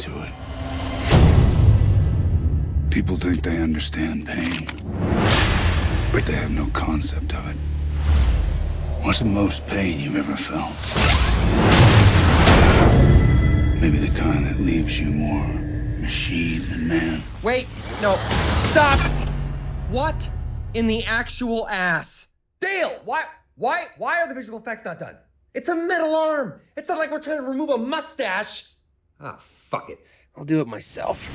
to it. People think they understand pain, but they have no concept of it. What's the most pain you've ever felt? Maybe the kind that leaves you more machine than man. Wait, no, stop! What in the actual ass? Dale, why are the visual effects not done? It's a metal arm. It's not like we're trying to remove a mustache. Ah, fuck it. I'll do it myself.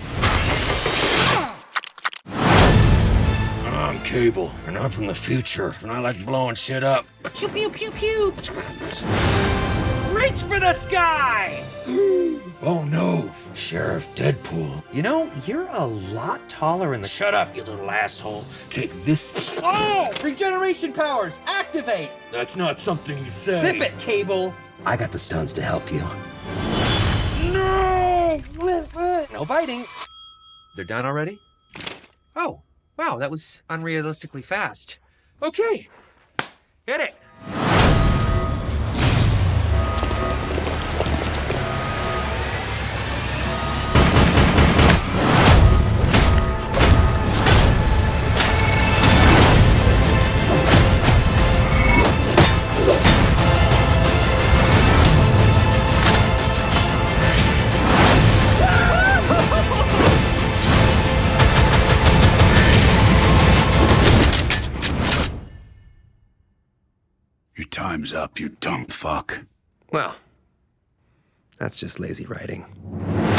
I'm Cable, and I'm from the future, and I like blowing shit up. Pew, pew, pew, pew. Reach for the sky! Oh no, Sheriff Deadpool. You know, you're a lot taller in the... Shut up, you little asshole. Take this. Oh! Regeneration powers, activate! That's not something you say. Zip it, Cable! I got the stones to help you. No! No biting. They're done already? Oh, wow, that was unrealistically fast. Okay, hit it. Your time's up, you dumb fuck. Well, that's just lazy writing.